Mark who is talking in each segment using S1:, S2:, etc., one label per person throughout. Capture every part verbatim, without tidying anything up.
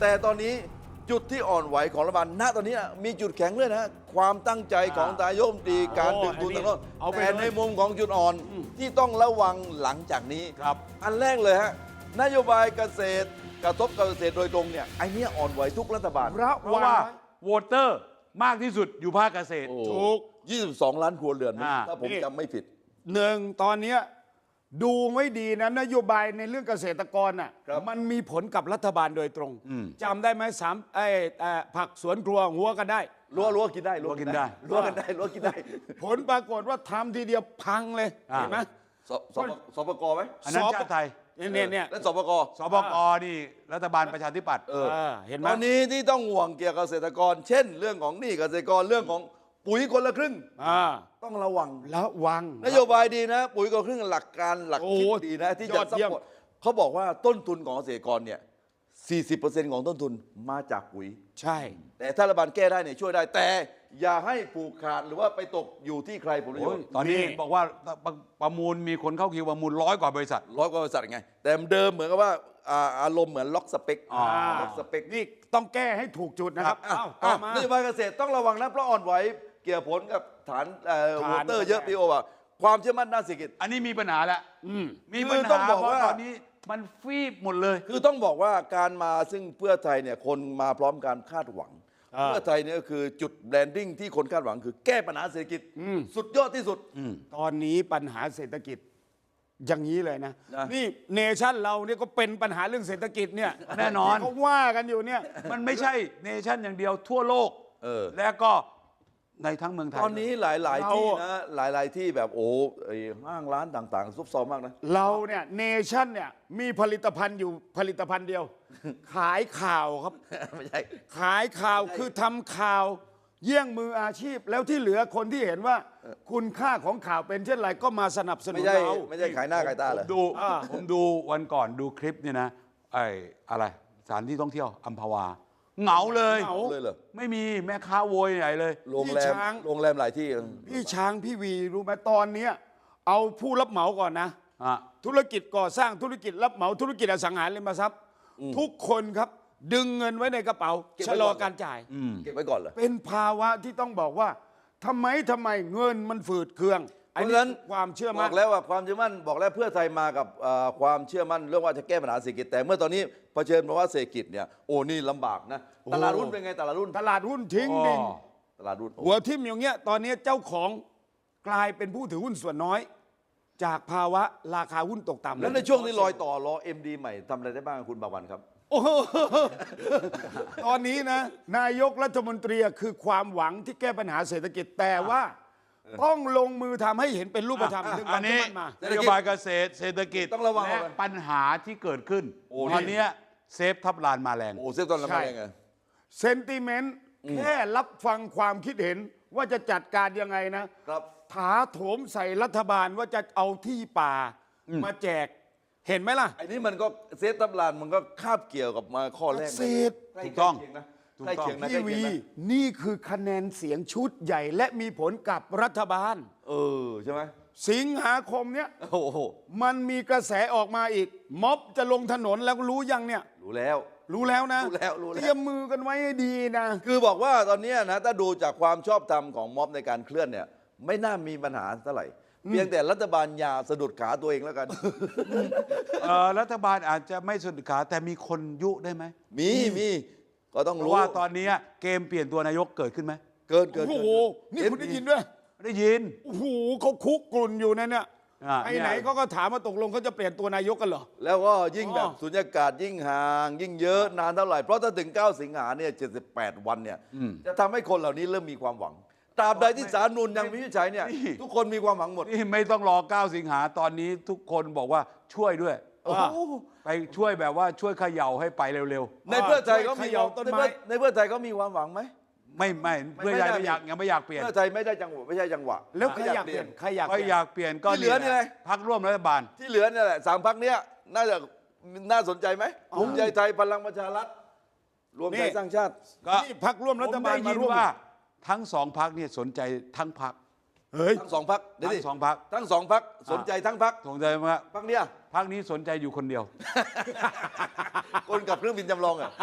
S1: แต่ตอนนี้จุดที่อ่อนไหวของรัฐบาลณตอนนี้มีจุดแข็งด้วยนะความตั้งใจของนายกรัฐมนตรีการดึงดูดต่างๆ
S2: เอาไป
S1: แต่ในมุมของจุดอ่อนที่ต้องระวังหลังจากนี้
S2: ครับ
S1: อันแรกเลยฮะนโยบายเกษตรกระทบกับเกษตรโดยตรงเนี่ยไอ้เนี้ยอ่อนไหวทุกรัฐบาล
S2: เพราะว่าโหวตเตอร์มากที่สุดอยู่ภาคเกษตร
S3: ถูก
S1: ยี่สิบสองล้านครัวเรือนนะ
S2: อ่า
S1: ถ้าผม
S3: นี่
S1: จำไม่ผิด
S3: หนึ่งตอนเนี้ยดูไม่ดีนะนโยบายในเรื่องเกษตรกรน่ะ
S1: ครับ
S3: มันมีผลกับรัฐบาลโดยตรงจำได้ไหมสามไอ้เอ่อผักสวนครัวหัวกันได้
S1: รั้วรั้วกินได้
S2: รั้วกินได้
S1: รั้วกันได้รั้วกินได้
S3: ผลปรากฏว่าทำทีเดียวพังเลย
S2: อ่า
S3: เห็นไหม
S1: สสปสปกไหม
S2: อันนั้น
S3: สอบ
S2: ชาติไทย
S3: เนี่ยเนี่ยเนี่ย
S1: และสปก
S2: สบกนี่รัฐบาลประชาธิปัตย์
S1: เออ
S3: เออเห็นไหม
S1: ตอนนี้ที่ต้องห่วงเกี่ยวกับเกษตรกร เช่น เรื่องของหนี้เกษตรกรเรื่องของปุ๋ยคนละครึ่ง
S3: อ่า
S1: ต้องระวัง
S3: ระวัง
S1: นโยบายดีนะ ปุ๋ยคนละครึ่งหลักการหลัก
S3: โอ้
S1: คิดดีนะ ที่
S3: ย
S1: จะ
S3: อด
S1: ซัพ
S3: เยี่ยม
S1: พอร์ตเขาบอกว่าต้นทุนของเกษตรกรเนี่ย สี่สิบเปอร์เซ็นต์ ของต้นทุนมาจากปุ๋ย
S3: ใช่
S1: แต่ถ้ารัฐบาลแก้ได้เนี่ยช่วยได้ แต่อย่าให้ผูกขาดหรือว่าไปตกอยู่ที่ใครผลประโย
S2: โอ้
S1: ช
S2: ย
S1: น์
S2: ตอนนี้เห็นบอกว่าประประมูลมีคนเข้าคิวประมูลร้อยกว่าบริษัท
S1: ร้อยกว่าบริษัทไง แต่เดิมเหมือนกับว่าอ่าอารมณ์เหมือนล็อกสเปค
S2: อ่า
S1: ล็อกสเปค
S3: นี่ต้องแก้ให้ถูกจุดนะครับ
S1: อ่ะ
S3: เอ้า
S1: อ่ะ
S3: ต่อมาน
S1: โยบายเกษตรต้องระวังนะเพราะอ่อนไหวเกี่ยวผลกับฐานเอ่อ
S3: ฐาน
S1: โวอเตอร์เยอะพี่โอว่าความเชื่อมั่นด้านเศรษฐกิจ
S2: อันนี้มีปัญหาแล้วมี
S1: คือ
S2: ปัญ
S1: ต้อ
S2: หาง
S1: บอก
S2: เพราะ
S1: ว่า
S2: ตอนนี้มันฟีบหมดเลย
S1: คือต้องบอกว่าการมาซึ่งเพื่อไทยเนี่ยคนมาพร้อมการคาดหวัง
S3: อ่า
S1: เพื่อไทยเนี่ยก็คือจุดแบรนดิ้งที่คนคาดหวังคือแก้ปัญหาเศรษฐกิจสุดยอดที่สุด
S3: ตอนนี้ปัญหาเศรษฐกิจอย่างนี้เลยนะ
S1: นะ
S3: นี่เนชั่นเราเนี่ยก็เป็นปัญหาเรื่องเศรษฐกิจเนี่ย
S2: แน่นอน
S3: ที่เขาว่ากันอยู่เนี่ย
S2: มันไม่ใช่เนชั่นอย่างเดียวทั่วโลก
S1: เออ
S2: แล้วก็ในทั้งเมืองไทย
S1: ตอนนี้หลาย ๆ
S3: เรา
S1: ที่นะหลาย ๆ ที่แบบโอ้ไอ้ห้างร้านต่างๆ ซุบซอบมากนะ
S3: เราเนี่ยเนชั่นเนี่ยมีผลิตภัณฑ์อยู่ผลิตภัณฑ์เดียว ขายข่าวครับ
S1: ไม่ใช่
S3: ขายข่าวคือทำข่าว เยี่ยงมืออาชีพ แล้วที่เหลือคนที่เห็นว่าคุณค่าของข่าวเป็นเช่นไรก็มาสนับสนุ
S1: ไม่
S3: น
S1: ใช่
S3: เรา
S1: ไม่ใช่ขายหน้าขายตา
S2: ผ
S1: เหร
S2: ม
S1: อ
S2: ดู
S3: อ่า
S2: ผมดูวันก่อนดูคลิปเนี่ยนะไอ้อะไรสถานที่ท่องเที่ยวอัมพวา เหงาเลย
S3: เหงา
S1: เลยเหรอ
S2: ไม่มีแม่ค้าโวยใหญ่เลย
S1: โรงแร
S3: พี่
S1: ม
S3: ช้าง
S1: โรงแรมหลายที่
S3: พี่ช้างพี่วีรู้ไหมตอนเนี้ยเอาผู้รับเหมาก่อนนะ
S2: อ่ะ
S3: ธุรกิจก่อสร้างธุรกิจรับเหมาธุรกิจอสังหาริมทรัพย์ ทุกคนครับ ดึงเงินไว้ในกระเป๋า
S1: เก็บไว้
S3: ชะลอ
S1: ก่อน
S3: การจ่าย
S1: เก็บไว้ก่อนเหรอ
S3: เป็นภาวะที่ต้องบอกว่าทำไมทำไมเงินมันฝืดเคือง
S1: เพ
S3: อัน
S1: ราะ
S3: นี้
S1: ฉะนั้น
S3: ความเชื่อบ มั่
S1: อน กแล้วว่าความเชื่อมั่นบอกแล้วเพื่อไทยมากับเอ่อความเชื่อมั่นเรื่องว่าจะแก้ปัญหาเศรษฐกิจแต่เมื่อตอนนี้เผชิญภาวะเศรษฐกิจเนี่ยโอ้นี่ลำบากนะตลาดหุ้นเป็นไงตลาดหุ้น
S3: ตลาดหุ้นทิ้งดิน
S2: อ๋อ
S1: ตลาดหุ้นโอ้
S3: หัวทิ่มอย่างเงี้ยตอนนี้เจ้าของกลายเป็นผู้ถือหุ้นส่วนน้อย จากภาวะราคาหุ้นตกต่ำ
S1: แล้วในช่วงนี้ลอยต่อรอ เอ็ม ดี ใหม่ทำอะไรได้บ้างคุณบาวันครับ
S3: โอ้โหตอนนี้นะ นายกรัฐมนตรีคือความหวังที่แก้ปัญหาเศรษฐกิจแต่ว่าต้องลงมือทำให้เห็นเป็นรูปธรรม
S1: อ่ะ
S3: ถึง
S2: อั
S3: วัน
S2: นนี้
S3: ที่มันมา
S2: นโยบายเกษตรเศรษฐกิจ
S1: ต้องระวัง
S2: และ
S1: เอาไว้
S2: ปัญหาที่เกิดขึ้น
S1: โอ้
S2: ตอนเนี้ยเซฟทับลานมาแรง
S1: โอ้เซฟตอนละ
S3: ใช่
S1: มาได้ไง
S3: เซนติเมนต์แค่รับฟังความคิดเห็นว่าจะจัดการยังไงนะ
S1: ครับ
S3: ถาโถมใส่รัฐบาลว่าจะเอาที่ป่ามาแจก เห็นไหมล่ะ
S1: ไอ้นี่มันก็เซฟทับลานมันก็คาบเกี่ยวกับมาข้อแรก
S3: เกษตร
S1: ใกล้
S2: ถูกต้อง
S1: ใกล้เคียนะ
S2: ถูก
S1: ใกล้
S2: ต้อง
S1: เคียงนะใก
S3: พี่
S1: ล้เคีย
S3: วี
S1: งนะ
S3: นี่คือคะแนนเสียงชุดใหญ่ และมีผลกับรัฐบาล
S1: เออใช่ไหม
S3: สิงหาคมเนี้ย
S1: โอ้โห
S3: มันมีกระแสออกมาอีก ม็อบจะลงถนนแล้วรู้ยังเนี่ย
S1: รู้แล้ว
S3: รู้แล้วนะ
S1: รู้แล้วรู้แล้ว
S3: เตรียมมือกันไว้ให้ดีนะ
S1: คือบอกว่าตอนเนี้ยนะถ้าดูจากความชอบธรรมของม็อบในการเคลื่อนเนี่ยไม่น่ามีปัญหาเท่าไหร่ เพียงแต่รัฐบาลอย่าสะดุดขาตัวเองแล้วกัน
S2: เอ่อรัฐบาลอาจจะไม่สุดขาแต่มีคนยุได้ไหม
S1: มีมีก็ต้อง
S2: เพ
S1: รู้
S2: ราะว่าตอนนี้เกมเปลี่ยนตัวนายกเกิดขึ้นไหม
S1: เกินเกิน
S3: โอ้โห
S1: เกิ
S3: นี่คุณได้ยินด้วย
S2: ได้ยิน
S3: โอ้โหเขาคุกกลุ่นอยู่นะเนี่ย
S2: อ่า
S3: ไอ้ไหนเขาก็ถามว่าตกลงเขาจะเปลี่ยนตัวนายกกันเหรอ
S1: แล้วก็ยิ่งแบบ
S3: อ๋อ
S1: สุญญากาศยิ่งห่าง ยิ่งเยอะนานเท่าไหร่ เพราะถ้าถึง เก้า สิงหาเนี่ยเจ็ดสิบแปดวันเนี่ยจะทำให้คนเหล่านี้เริ่มมีความหวังตราบใดที่ศาลนูนยังไม่วินิจฉัยเนี่ยทุกคนมีความหวังหมด
S2: นี่ไม่ต้องรอเก้าสิงหาตอนนี้ทุกคนบอกว่าช่วยด้วย
S1: โอ้โห
S2: ไปช่วยแบบว่าช่วยเขย่าให้ไปเร็ว
S1: ในเพื่อไทยก็มี
S3: เขย่าต้น
S1: ใน
S3: ไม้
S1: เพื่อในเพื่อไทยก็มีความหวังไหม
S2: ๆ ไม่ไม่เพื่อไทย
S1: ไม่
S2: ไม่
S1: ได้
S2: อยากยังไม่อยากเปลี่ยน
S1: เพื่อไทยไม่ได้จังหวะไม่ใช่จังหวะ
S3: แล้วใครอยากเปลี่ยนใครอยาก
S2: ก็
S3: เปลี่ยน
S2: อยากเปลี่ยนก็
S1: ที่เหลือนี่ไง
S2: พักร่วมรัฐบาล
S1: ที่เหลือเนี่ยแหละสามพักเนี้ยน่าจะน่าสนใจไหมภูมิใจไทยพลังประชารัฐรวมไทยสร้างชาติ
S2: ก็
S3: นี่พักร่วมรัฐบาล
S2: ผมได้
S3: มา
S2: ยิน
S3: ร่วม
S2: ว่าทั้งสองพักเนี่ยสนใจทั้งพัก
S3: เฮ้ย
S1: ทั้งสองพักเดี๋ยว
S2: ทั้
S1: ดิ
S2: งสองพัก
S1: ทั้งสองพักสนใจทั้งพัก
S2: สนใจว่า
S1: พักเนี้ย
S2: พักนี้สนใจอยู่คนเดียว
S1: คนกับเครื่องบินจำลองอ่ะ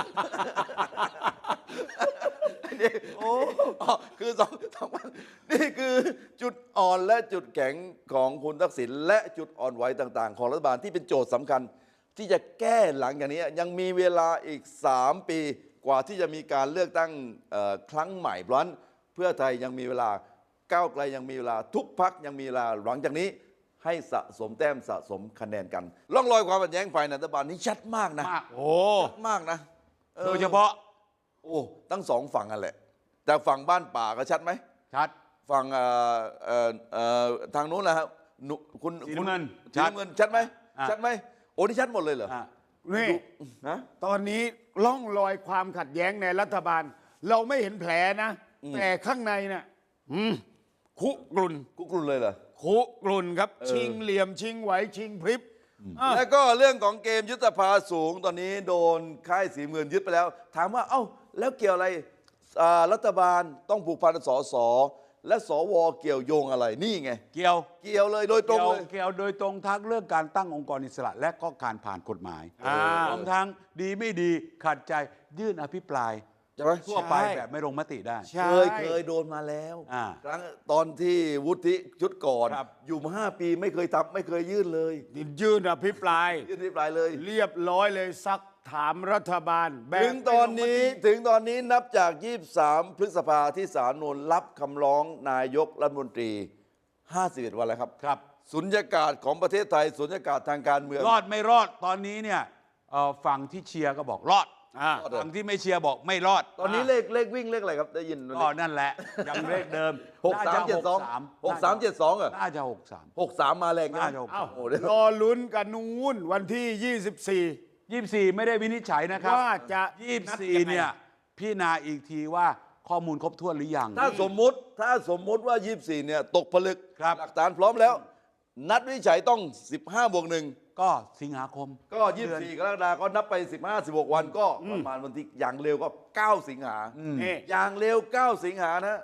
S1: นี่โอ้คือสองสองพันนี่คือจุดอ่อนและจุดแข็งของคุณทักษิณและจุดอ่อนไหวต่างๆ ของรัฐบาลที่เป็นโจทย์สำคัญ ที่จะแก้หลังอย่างนี้ยังมีเวลาอีกสามปีกว่าที่จะมีการเลือกตั้งเอ่อครั้งใหม่เพราะฉะนั้นเพื่อไทยยังมีเวลาก้าวไกลยังมีเวลาทุกพักยังมีเวลาหลังจากนี้ให้สะสมแต้มสะสมคะแนนกันร่องรอยความขัดแย้งฝ่ายรัฐบาลนี้ชัดมากนะ
S2: มาก
S3: โอ้
S1: ชัดมากนะออ
S2: โดยเฉพาะ
S1: โอ้ทั้งสองฝั่งกันแหละ แต่ฝั่งบ้านป่าก็ชัดไหม
S2: ชัด
S1: ฝั่งเอ่อเอ่อเอ่อทางนู้นแหละครับหนุคุณ
S2: สีน้ำเงิน
S1: สีน้ำเงินชัดไหม
S2: อ่ะ
S1: ชัดไหมโอ้นี่ชัดหมดเลยเหรอ
S2: อ่ะ
S3: นี่
S1: นะ
S3: ตอนนี้ล่องรอยความขัดแย้งในรัฐบาล เราไม่เห็นแผลนะ แต่ข้างในน่ะอืมคุกรุ่น
S1: กุกรุนเลยเหรอ
S3: คุกรุ่นครับ ชิงเหลี่ยมชิงไหวชิงพริบอ่ะ
S1: แล้วก็เรื่องของเกมยุทธภาสูงตอนนี้โดนค่ายสีเงินยึดไปแล้ว ถามว่าเอ้าแล้วเกี่ยวอะไรอ่ารัฐบาลต้องผูกพันกับสสและสวเกี่ยวโยงอะไรนี่ไง
S2: เกี่ยว
S1: เกี่ยวเลยโดยตรง
S2: เกี่ยว
S1: เลย
S2: เกี่ยวโดยตรงทั้งเรื่องการตั้งองค์กรอิสระ และก็การผ่านกฎหมาย
S3: อ่าร
S2: วมทั้งดีไม่ดีขัดใจยื่นอภิปราย
S1: ใช่ไหม
S2: ทั่วไปแบบไม่ลงมติได้
S3: ใช่
S1: เคยเคยโดนมาแล้ว
S2: อ่า
S1: ครั้งตอนที่วุฒิชุดก่อน
S2: ครับ
S1: อยู่มาห้าปีไม่เคยทำไม่เคยยื่นเลย
S3: ยื่นอภิปราย
S1: ยื่นอภิปรายเลย
S3: เรียบร้อยเลยซักถามรัฐบาลแบบ
S1: ถึงตอนนี้
S3: ไม่ลงมติ
S1: ถึงตอนนี้นับจาก ยี่สิบสาม พฤษภาที่ศาลนูนรับคำร้องนายกรัฐมนตรี ห้าสิบเอ็ด วันแล้วครับ
S2: ครับ
S1: สุญญากาศของประเทศไทยสุญญากาศทางการเมือง
S2: รอดไม่รอดตอนนี้เนี่ยเอ่อฝั่งที่เชียร์ก็บอกรอด
S3: อ่า
S1: รอดเหรอ
S2: ฝั่งที่ไม่เชียร์บอกไม่รอด
S1: ตอนนี้เลขเลขวิ่งเลขอะไรครับได้ยินไหม
S2: ก็นั่นแหละยังเลขเดิม
S1: หกสามเจ็ดสองหกสามเจ็ดสองเหรอ
S2: น่าจะหกสาม
S1: หกสามมาแรงนะ
S2: น่าจะหก
S3: เอ้า
S2: สาม
S1: โอ้เดี๋ยว
S3: รอลุ้นกันนู้นวันที่ ยี่สิบสี่
S2: ยี่สิบสี่ไม่ได้วินิจฉัยนะครับ
S3: ว่าจะ
S2: ยี่สิบ
S3: นัด
S2: สี่
S3: ยังไง
S2: เนี่ยพี่นาอีกทีว่าข้อมูลครบถ้วนหรือยัง
S1: ถ้าสมมุติถ้าสมมุติว่า ยี่สิบสี่ เนี่ยตกผลึก
S2: ครับ
S1: หลักฐานพร้อมแล้ว นัดวินิจฉัยต้อง สิบห้า บวกหนึ่ง
S2: ก็สิงหาคม
S1: ก็ ยี่สิบสี่ กรกฎาคมก็นับไป สิบห้า สิบหก วันก็ประมาณวันที่อย่างเร็วก็ เก้า สิงหา
S3: นี่
S1: อย่างเร็ว เก้า สิงหานะ